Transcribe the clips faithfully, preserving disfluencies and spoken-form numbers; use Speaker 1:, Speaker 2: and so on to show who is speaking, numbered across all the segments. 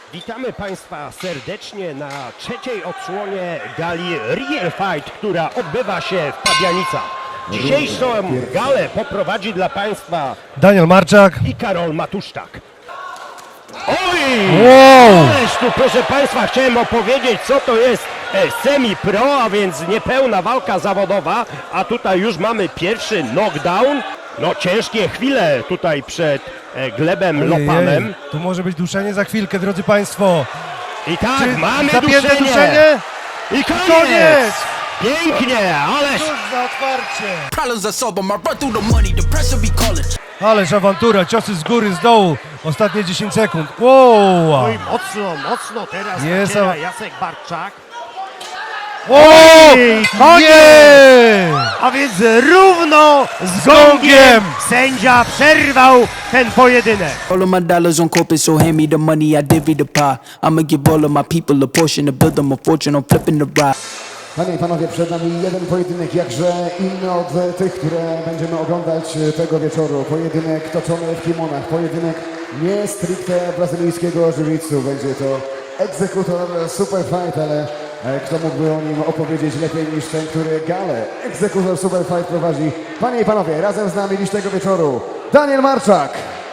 Speaker 1: Witamy Państwa serdecznie na trzeciej odsłonie gali Real Fight, która odbywa się w Pabianicach. Dzisiejszą galę poprowadzi dla Państwa
Speaker 2: Daniel Marczak
Speaker 1: i Karol Matuszczak. Oj!
Speaker 2: Wow!
Speaker 1: Ależ tu, proszę Państwa, chciałem opowiedzieć, co to jest e, semi-pro, a więc niepełna walka zawodowa, a tutaj już mamy pierwszy knockdown. No ciężkie chwile tutaj przed e, Glebem
Speaker 2: Ojej,
Speaker 1: Lopanem.
Speaker 2: tu może być duszenie za chwilkę, drodzy Państwo.
Speaker 1: I tak,
Speaker 2: Czy
Speaker 1: mamy
Speaker 2: zapięte
Speaker 1: duszenie.
Speaker 2: duszenie?
Speaker 1: I koniec!
Speaker 2: Koniec!
Speaker 1: Pięknie, ależ...
Speaker 2: Cóż za otwarcie!
Speaker 3: Problems are solved, but I run through the money, the pressure be calling.
Speaker 2: Ależ awantura, ciosy z góry, z dołu. Ostatnie dziesięć sekund. Wow!
Speaker 1: Oj, mocno, mocno teraz
Speaker 2: Jest
Speaker 1: naciera
Speaker 2: a-
Speaker 1: Jacek Barczak.
Speaker 2: O!
Speaker 1: koniec!
Speaker 2: Nie!
Speaker 1: A więc równo z
Speaker 2: gongiem
Speaker 1: gongiem sędzia przerwał ten pojedynek.
Speaker 3: All of my dollars on corporate, so hand me the money, I divvy the pie. I'ma give all of my people a portion to build them a fortune, I'm flipping the ride.
Speaker 4: Panie i panowie, przed nami jeden pojedynek jakże inny od tych, które będziemy oglądać tego wieczoru. Pojedynek toczony w kimonach, pojedynek nie stricte brazylijskiego jiu-jitsu. Będzie to egzekutor Super Fight, ale e, kto mógłby o nim opowiedzieć lepiej niż ten, który galę egzekutor Super Fight prowadzi. Panie i panowie, razem z nami dziś tego wieczoru Daniel Marczak.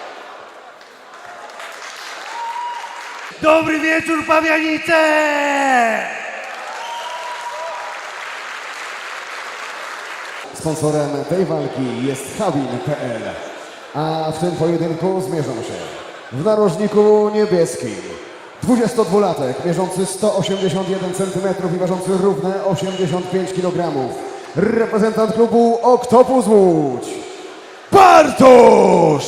Speaker 5: Dobry wieczór, Pabianice!
Speaker 4: Sponsorem tej walki jest Habin kropka pe el, a w tym pojedynku zmierzą się w narożniku niebieskim dwudziestodwulatek mierzący sto osiemdziesiąt jeden centymetrów i ważący równe osiemdziesiąt pięć kilogramów. Reprezentant klubu Oktopus Łódź, Bartosz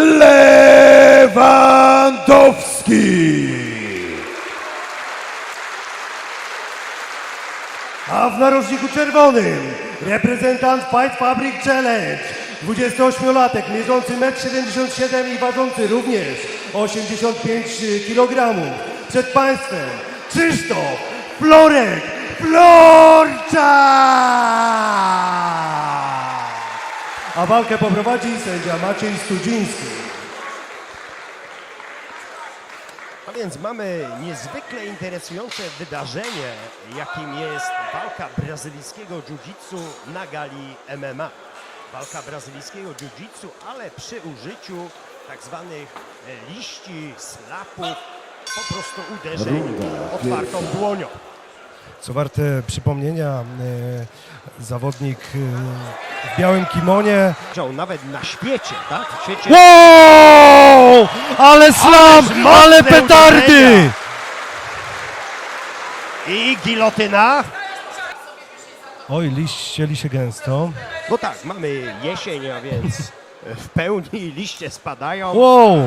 Speaker 4: Lewandowski.
Speaker 5: A w narożniku czerwonym reprezentant Fight Fabric Challenge, dwudziestoośmiolatek mierzący metr siedemdziesiąt siedem i ważący również osiemdziesiąt pięć kilogramów. Przed Państwem Krzysztof Florek Florczak! A walkę poprowadzi sędzia Maciej Studziński.
Speaker 1: A więc mamy niezwykle interesujące wydarzenie, jakim jest walka brazylijskiego jiu-jitsu na gali em em a. Walka brazylijskiego jiu-jitsu, ale przy użyciu tak zwanych e, liści, slapów, po prostu uderzeń otwartą dłonią.
Speaker 2: Co warte przypomnienia, e, zawodnik e, w białym kimonie.
Speaker 1: Chciał nawet na świecie, tak? W świecie
Speaker 2: Wow! Ale slam!
Speaker 1: mocne
Speaker 2: Ale petardy!
Speaker 1: uderzenia. I gilotyna.
Speaker 2: Oj, liść ścieli się gęsto.
Speaker 1: No tak, mamy jesień, a więc w pełni liście spadają.
Speaker 2: Wow!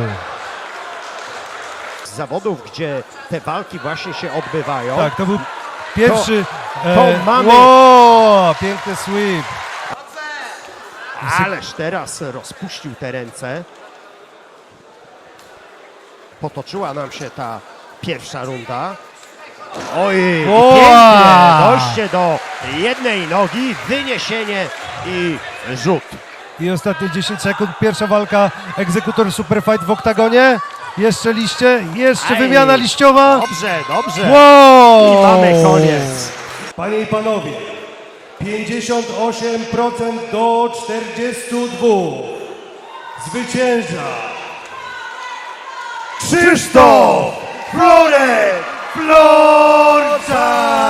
Speaker 1: Z zawodów, gdzie te walki właśnie się odbywają.
Speaker 2: Tak, to był pierwszy...
Speaker 1: to mamy-
Speaker 2: Wow! Piękny sweep.
Speaker 1: Ależ teraz rozpuścił te ręce. Potoczyła nam się ta pierwsza runda. Oj,
Speaker 2: Wow!
Speaker 1: pięknie, dojście do jednej nogi, wyniesienie i rzut.
Speaker 2: I ostatnie dziesięć sekund. Pierwsza walka. Egzekutor Super Fight w oktagonie. Jeszcze liście. Jeszcze
Speaker 1: Aj.
Speaker 2: wymiana liściowa.
Speaker 1: Dobrze, dobrze.
Speaker 2: Wow!
Speaker 1: I mamy koniec.
Speaker 5: Panie i panowie, pięćdziesiąt osiem procent do czterdziestu dwóch. Zwycięża Krzysztof Florek Florczak!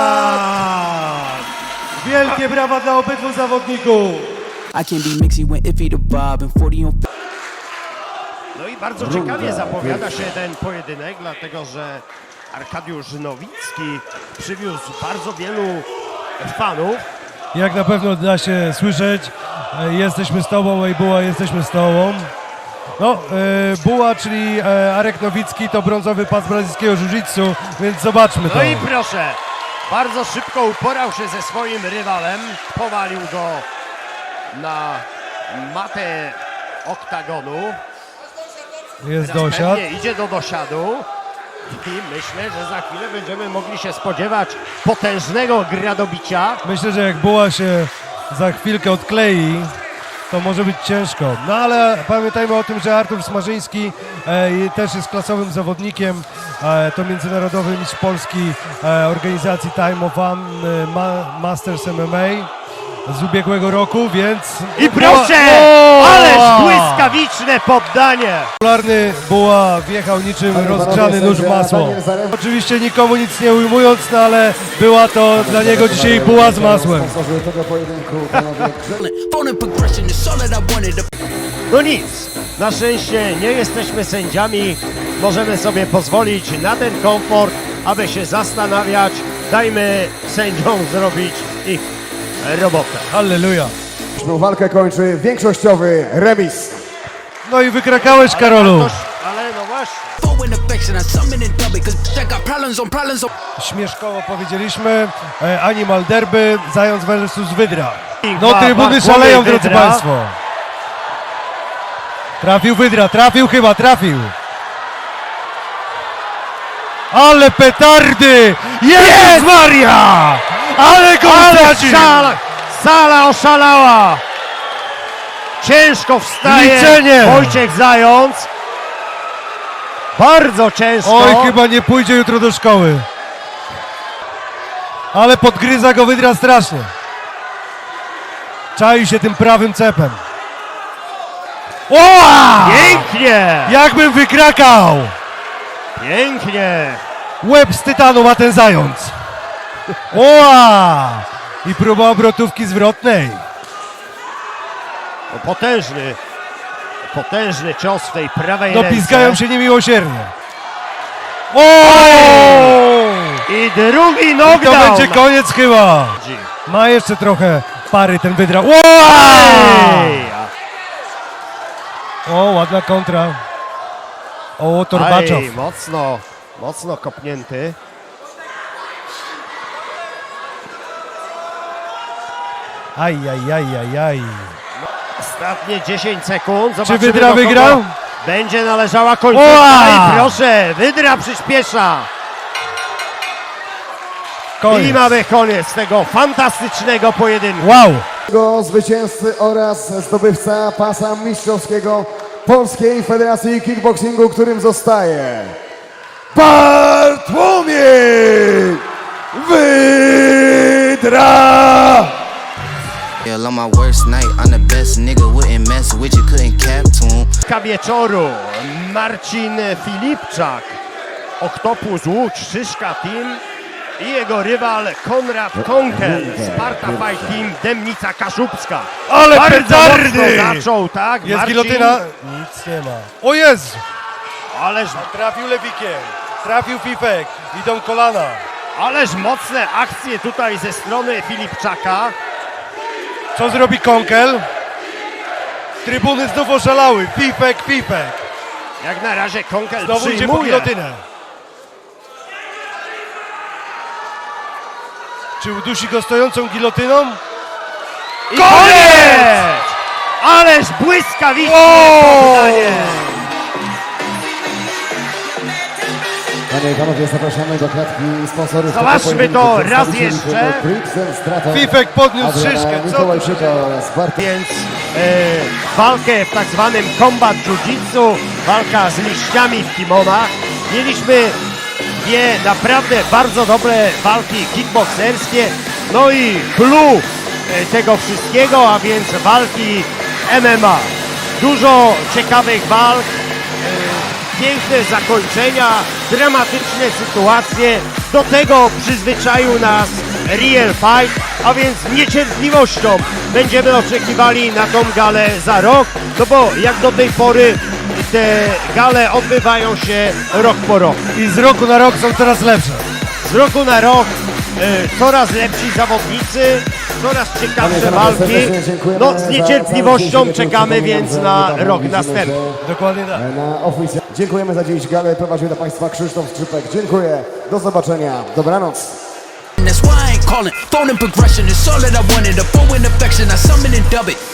Speaker 5: Wielkie brawa dla obydwu zawodników.
Speaker 3: I can't be mixy when iffy the vibe and forty on.
Speaker 1: No i bardzo ciekawie zapowiada się ten pojedynek, dlatego że Arkadiusz Nowicki przywiózł bardzo wielu fanów.
Speaker 2: Jak na pewno da się słyszeć, e, jesteśmy z tobą, ej Buła, jesteśmy z tobą. No, e, Buła, czyli e, Arek Nowicki, to brązowy pas brazylijskiego jiu-jitsu, więc zobaczmy to.
Speaker 1: No i proszę, bardzo szybko uporał się ze swoim rywalem, powalił go na matę oktagonu.
Speaker 2: Jest
Speaker 1: Teraz
Speaker 2: dosiad.
Speaker 1: pewnie idzie do dosiadu i myślę, że za chwilę będziemy mogli się spodziewać potężnego gradobicia.
Speaker 2: Myślę, że jak Buła się za chwilkę odklei, to może być ciężko. No ale pamiętajmy o tym, że Artur Smarzyński e, też jest klasowym zawodnikiem. E, to międzynarodowy mistrz Polski e, organizacji Time of One e, Ma, Masters M M A z ubiegłego roku, więc...
Speaker 1: I proszę!
Speaker 2: O!
Speaker 1: Ależ błyskawiczne poddanie!
Speaker 2: Popularny Buła wjechał niczym
Speaker 4: Panie,
Speaker 2: rozgrzany
Speaker 4: panowie,
Speaker 2: nóż w
Speaker 4: sędzia
Speaker 2: masło.
Speaker 4: Daniel Zaremba.
Speaker 2: Oczywiście nikomu nic nie ujmując, no ale była to dla niego dzisiaj buła z masłem.
Speaker 4: Sponsorzy tego pojedynku, panowie Grze-
Speaker 3: Phone and progression is all that I wanted to.
Speaker 1: No nic, na szczęście nie jesteśmy sędziami, możemy sobie pozwolić na ten komfort, aby się zastanawiać. Dajmy sędziom zrobić ich robotę.
Speaker 2: Halleluja.
Speaker 4: Walkę kończy większościowy remis.
Speaker 2: No i wykrakałeś, Karolu.
Speaker 1: Toż, ale no właśnie.
Speaker 3: Phone and affection, I summon and dub it, cause I got problems on problems on.
Speaker 2: Śmieszkowo powiedzieliśmy, e, Animal Derby, Zając versus Wydra. No
Speaker 1: Ba-
Speaker 2: trybuny
Speaker 1: Bartłomiej
Speaker 2: szaleją, drodzy
Speaker 1: Wydra.
Speaker 2: Państwo. Trafił Wydra, trafił chyba, trafił. Ale petardy! Jezus Maria! Ale go
Speaker 1: Ale
Speaker 2: stracił!
Speaker 1: sala, sala oszalała! Ciężko wstaje
Speaker 2: Liczenie.
Speaker 1: Wojciech Zając. Bardzo ciężko.
Speaker 2: Oj, chyba nie pójdzie jutro do szkoły. Ale podgryza go Wydra strasznie. Czai się tym prawym cepem. Oła!
Speaker 1: Pięknie!
Speaker 2: Jakbym wykrakał!
Speaker 1: Pięknie!
Speaker 2: Łeb z tytanu ma ten Zając. Oła! I próba obrotówki zwrotnej.
Speaker 1: No, potężny, potężny cios w tej prawej
Speaker 2: No
Speaker 1: ręce.
Speaker 2: pizgają się niemiłosiernie. O!
Speaker 1: I drugi
Speaker 2: I
Speaker 1: knockdown.
Speaker 2: to będzie koniec chyba. Ma jeszcze trochę pary ten Wydra. Oła!
Speaker 1: Ej,
Speaker 2: O, ładna kontra. O, Torbaczow.
Speaker 1: Aj, mocno, mocno kopnięty.
Speaker 2: Aj, aj, aj, aj, aj.
Speaker 1: Ostatnie dziesięć sekund. Zobaczymy,
Speaker 2: Wydra
Speaker 1: do kogo
Speaker 2: wygrał?
Speaker 1: Będzie należała końcówka.
Speaker 2: Oła!
Speaker 1: I proszę, Wydra przyspiesza. I
Speaker 2: Koniec.
Speaker 1: mamy koniec tego fantastycznego pojedynku.
Speaker 2: Wow.
Speaker 4: Tego zwycięzcy oraz zdobywca pasa mistrzowskiego Polskiej Federacji Kickboxingu, którym zostaje Bartłomiej Wydra!
Speaker 6: Yeah, on my worst night, I'm the best nigga, wouldn't mess with you, couldn't cap to him.
Speaker 1: Wieczoru Marcin Filipczak, Oktopus Łódź, Szyszka Team i jego rywal Konrad Konkel, Sparta Fight Team, Dębnica Kaszubska.
Speaker 2: Ale
Speaker 1: Bardzo
Speaker 2: petardy!
Speaker 1: mocno zaczął, tak?
Speaker 2: Jest
Speaker 1: Marcin,
Speaker 2: gilotyna. Nic nie ma. O Jezu!
Speaker 1: Ależ,
Speaker 2: Trafił lewikiem. Trafił Fifek. Idą kolana.
Speaker 1: ależ mocne akcje tutaj ze strony Filipczaka.
Speaker 2: Co zrobi Konkel? Trybuny znów oszalały. Fifek, Fifek.
Speaker 1: Jak na razie Konkel
Speaker 2: Znowu idzie po
Speaker 1: przyjmuje.
Speaker 2: gilotynę. Czy udusi go stojącą gilotyną?
Speaker 1: I koniec! Ależ błyskawiczne poddanie.
Speaker 4: Panie i panowie, zapraszamy do klatki sponsorów. tego
Speaker 1: Zobaczmy
Speaker 4: pojedynku.
Speaker 1: to raz
Speaker 4: Przedstawicieli
Speaker 1: jeszcze.
Speaker 4: firmy Brixen Straton,
Speaker 2: Fifek podniósł
Speaker 4: Adriana
Speaker 2: szyszkę. Co tu
Speaker 4: Mikołajczyka oraz Bartosz
Speaker 1: Więc e, walkę w tak zwanym combat jiu-jitsu, walka z liściami w kimonach. Mieliśmy dwie naprawdę bardzo dobre walki kickbokserskie, no i clue e, tego wszystkiego, a więc walki M M A. Dużo ciekawych walk, e, piękne zakończenia, dramatyczne sytuacje. Do tego przyzwyczaił nas Real Fight, a więc z niecierpliwością będziemy oczekiwali na tą galę za rok, no bo jak do tej pory te gale odbywają się rok po roku.
Speaker 2: I z roku na rok są coraz lepsze.
Speaker 1: Z roku na rok e, coraz lepsi zawodnicy, coraz
Speaker 4: Panie i
Speaker 1: ciekawsze
Speaker 4: panowie,
Speaker 1: walki.
Speaker 4: serdecznie dziękujemy
Speaker 1: No
Speaker 4: za-
Speaker 1: z
Speaker 4: za
Speaker 1: niecierpliwością
Speaker 4: dzisiejszy
Speaker 1: czekamy
Speaker 4: wieczór.
Speaker 1: więc
Speaker 4: Przypominam,
Speaker 1: na
Speaker 4: że
Speaker 1: rok
Speaker 4: widzimy,
Speaker 1: następny.
Speaker 4: że
Speaker 2: Dokładnie tak.
Speaker 4: Na oficjal. Dziękujemy za dziś galę. Prowadził dla Państwa Krzysztof Skrzypek. Dziękuję. Do zobaczenia. Dobranoc.
Speaker 3: And that's why I ain't calling. Phone and progression is all that I wanted. A phone and affection, I summon and dub it.